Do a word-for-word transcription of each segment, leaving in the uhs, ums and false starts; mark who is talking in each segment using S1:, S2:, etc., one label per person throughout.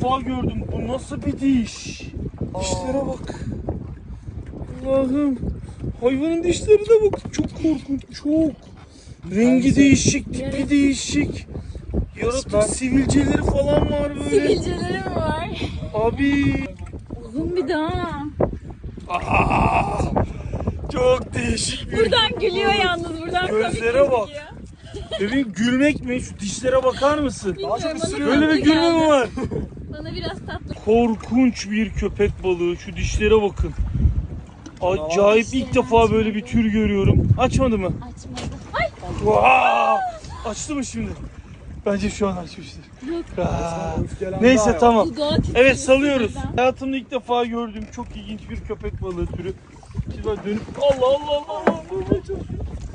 S1: defa gördüm. Bu nasıl bir diş? Dişlere bak. Allah'ım. Hayvanın dişlerine bak. Çok korkunç. Çok. Rengi değişik. Tipi değişik. Yaratık sivilceleri falan var böyle.
S2: Sivilceleri mi var?
S1: Abi.
S2: Uzun bir daha.
S1: Aa, çok değişik bir.
S2: Buradan gülüyor yalnız. Buradan
S1: Gözlere
S2: komik
S1: bak.
S2: gözüküyor.
S1: Bebeğim gülmek mi? Şu dişlere bakar mısın?
S2: Bilmiyorum, bana
S1: Böyle bir
S2: tatlı
S1: gülme mi
S2: geldi.
S1: var?
S2: Bana biraz tatlı.
S1: Korkunç bir köpek balığı. Şu dişlere bakın. Acayip, ilk defa böyle bir tür görüyorum. Açmadı mı?
S2: Açmadı. Ay.
S1: Vaa! Açtı mı şimdi? Bence şu an açmıştır. Aa, neyse tamam.
S2: Dudağı titriyor
S1: Evet salıyoruz.
S2: sinirden.
S1: Hayatımda ilk defa gördüğüm çok ilginç bir köpek balığı türü. Şimdi ben dönüp Allah Allah Allah Allah durmaya çalışıyorum.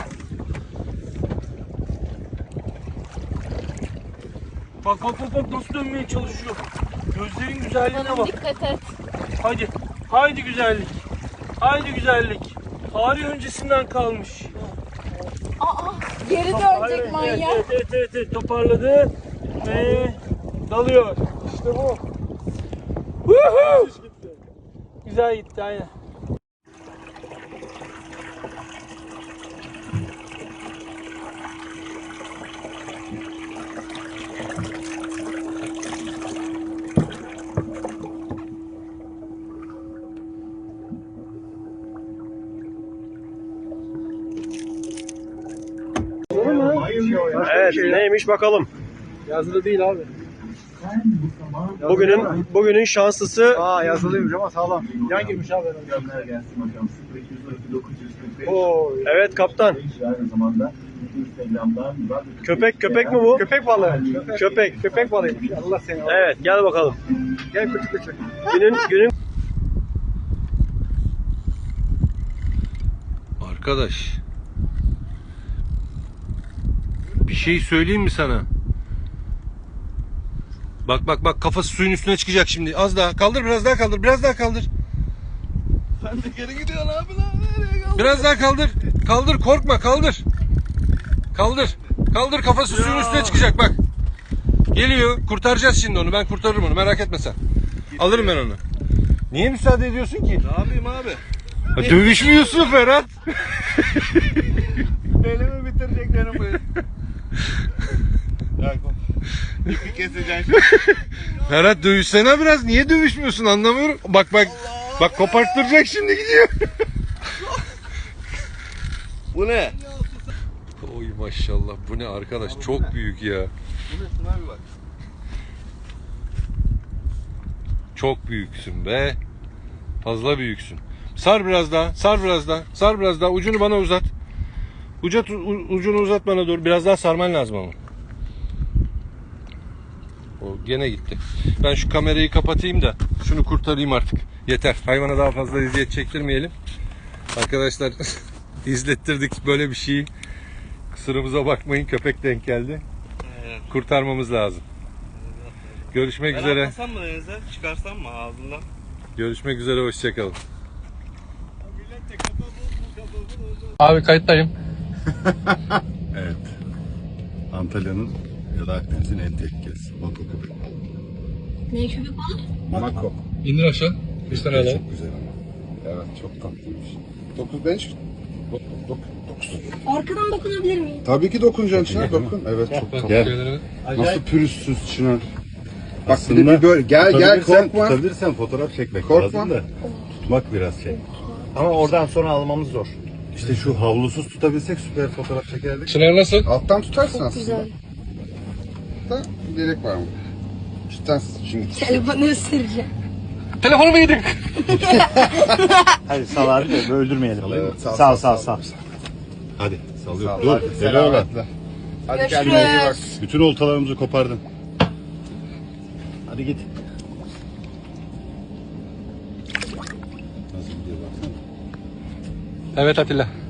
S1: Bak bak bak bak nasıl dönmeye çalışıyor. Gözlerin güzelliğine
S2: Bana
S1: bak.
S2: dikkat et.
S1: Hadi. Haydi güzellik. Haydi güzellik. Tarih öncesinden kalmış.
S2: Aa, geri
S1: Hayır,
S2: dönecek
S1: evet,
S2: manyak.
S1: Evet, evet, evet, evet, toparladı ve dalıyor. İşte bu. Woohoo! Güzel gitti aynen.
S3: Evet, neymiş bakalım.
S4: Yazılı değil abi.
S3: Bugünün bugünün şanslısı.
S4: Aa yazılıymış ama sağlam. Yan girmiş abi herhalde. Oo.
S3: Evet kaptan. Köpek köpek mi bu?
S4: Köpek balığı.
S3: Köpek.
S4: Köpek balığıymış. Allah seni.
S3: Evet, gel bakalım.
S4: Gel küçük küçük.
S3: Günün günün
S5: Arkadaş, bir şey söyleyeyim mi sana? Bak bak bak, kafası suyun üstüne çıkacak şimdi. Az daha kaldır, biraz daha kaldır, biraz daha kaldır.
S4: Sen de geri gidiyorsun abi lan. Nereye kaldın?
S5: Biraz daha kaldır. Kaldır, korkma, kaldır. Kaldır. Kaldır, kafası suyun üstüne çıkacak bak. Geliyor. Kurtaracağız şimdi onu. Ben kurtarırım onu. Merak etme sen. Alırım ben onu. Niye müsaade ediyorsun ki?
S4: Ne yapayım abi?
S5: Ha, dövüşmüyorsun Ferhat.
S4: Belimi bitirecek benim bu. İpi keseceksin.
S5: Ferhat dövüşsene biraz. Niye dövüşmüyorsun anlamıyorum. Bak bak. Bak koparttıracak şimdi gidiyor.
S4: Bu ne?
S5: Oy maşallah. Bu ne arkadaş? Çok büyük ya.
S4: Bu ne? Şuna bir bak.
S5: Çok büyüksün be. Fazla büyüksün. Sar biraz daha. Sar biraz daha. Sar biraz daha. Ucunu bana uzat. Uca, ucunu uzat bana doğru. Biraz daha sarman lazım ama. O gene gitti. Ben şu kamerayı kapatayım da şunu kurtarayım artık. Yeter. Hayvana daha fazla eziyet çektirmeyelim. Arkadaşlar izlettirdik böyle bir şeyi. Kusurumuza bakmayın. Köpek denk geldi. Kurtarmamız lazım. Görüşmek
S6: Ben
S5: üzere.
S6: atlasam mı denize? Çıkarsam mı ağzından?
S5: Görüşmek üzere. Hoşçakalın.
S7: Abi kayıttayım.
S8: Evet. Antalya'nın ya da Akdeniz'in en tehlikelisi. Mako köpek.
S2: Ne köpek balığı?
S8: Mako.
S7: İndir aşağı. Bir tane alalım.
S8: Çok güzel ama. Evet çok tatlıymış. dokuz beş. dokuz.
S2: Arkadan dokunabilir miyim?
S8: Tabii ki dokunacaksın Çınar. Dokun. Evet çok tatlı.
S7: Şeyleri-
S8: Nasıl pürüzsüz Çınar. Bak bir de bir böyle gel gel korkma. Tutabilirsen fotoğraf çekmek korkma. Lazım da tutmak biraz şey.
S4: Ama oradan sonra almamız zor.
S8: İşte şu havlusuz tutabilsek süper fotoğraf çekerdik.
S7: Çınar nasıl?
S8: Alttan tutarsın aslında.
S2: Güzel.
S8: Da gerek var mı? Cidden şimdi.
S2: Telefonu ısıracağım.
S7: Telefonu mu yedik?
S4: Hadi sal abi de öldürmeyelim.
S8: Evet, sal,
S4: sal
S8: sal,
S4: sal sal.
S8: Hadi sallıyorum. Dur.
S2: Hadi,
S8: Selametle. Hadi kendine iyi bak.
S2: Görüşürüz.
S8: Bütün oltalarımızı kopardın.
S4: Hadi git.
S8: Nasıl gidiyor baksana.
S7: Evet Atilla.